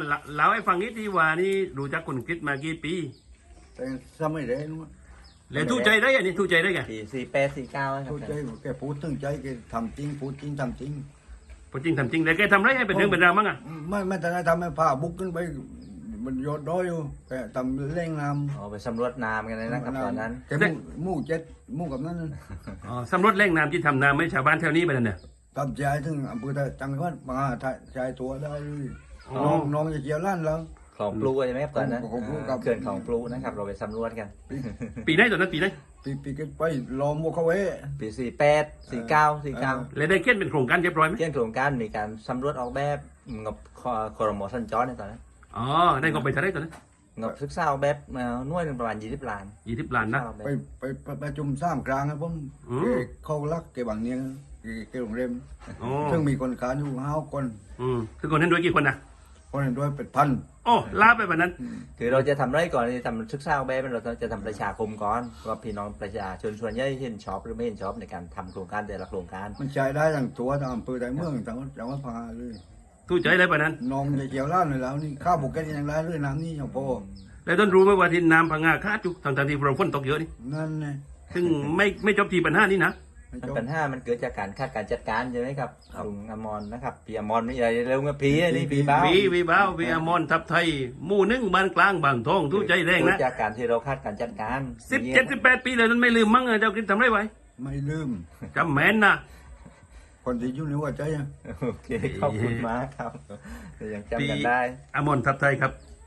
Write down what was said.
เล่าให้ฟังนิดที่ว่านี่รู้จักคนคริสมากี่ปีแต่สมัยเด็กนู้นแล้วทู่ใจได้ไงนี่ทู่ใจได้ไง 48 49ครับเข้าใจว่าแกพูดถึงใจแกทำจริงพูดจริงทำจริงพอจริงทำจริงแล้วแกทำไรให้เป็นเรื่องเป็นราวมั้งอ่ะไม่แต่ได้ทำให้ผ้าบุกขึ้นไปมันยอดด้อยอยู่แกทำเร่งนำไปสำรวจน้ำกันเลยนะครับตอนนั้นแกมู่เจ็ดมู่กับนั้นอ๋อสำรวจแหล่งน้ำที่ทำน้ำให้ชาวบ้านแถวนี้ไปนั่นเนี่ยทำใจถึงอำเภอจังหวัดมาชายตัวได้เลยอ๋อน้องจะเกี่ยวล้านแล้วของปลูใช่ไหมครับตอนนั้นของปลูครับเขื่อนของปลูนะครับเราไปสำรวจกันปีไหนตอนนั้นปีไหนปีกันไปล้อมวัวเขาไว้ปี48 49 49 แล้วได้เขียนเป็นโครงการเรียบร้อยไหมเกี่ยงโครงการมีการสำรวจออกแบบงบครม.สัญจรในตอนนั้นอ๋อได้ก็ไปเท่าไหรตอนนั้นงบศึกษาออกแบบหน่วยหนึ่งประมาณ20 ล้าน 20 ล้านนะไปประชุมสร้างกลางครับผมอืมเขารักแกบางเนียงแกโรงแรมอ๋อซึ่งมีคนการอยู่5 คนคือคนนั้นด้วยกี่คนนะคนเห็นด้วยเป็นพันโอ้ลาไปวันนั้นคือเราจะทำไรก่อนที่ทำศึกษาออกแบบเราจะทำประชาคมก่อนว่าพี่น้องประชาชนส่วนใหญ่เห็นชอบหรือไม่เห็นชอบในการทำโครงการแต่ละโครงการมันใช้ได้ทั้งตัวทั้งอำเภอทั้งเมืองจังหวัดพังงาเลยทู่ใจเลยวันนั้นน้องจะเกี่ยวล้านเลยแล้วนี่ข้าวบุกแกยังได้เลยน้ำนี่อย่างพอแล้วต้นรู้ไหมว่าที่น้ำพังงาคาดจุกทางที่เราฝนตกเยอะนี่นั่นไงซึ่งไม่จบที่ปัญหานี้นะปัญหามันเกิดจากการคาดการจัดการใช่ไหมครับลุงอมรนะครับพี่อมรนี่อะไรเร็วเงี้ยพี่นี่พี่บ้าวีบ้าววีอมอนทับไทยหมู่หนึ่งบ้านกลางบางทองทู่ใจแรงนะจากการที่เราคาดการจัดการ 17-18 ปีเลยนั้นไม่ลืมมั้งเจ้าคิดทำไรไว้ไม่ลืมจำแม่นนะคนที่อยู่ในหัวใจอะโอเคขอบคุณมากครับยังจำกันได้อมอนทับไทยครับ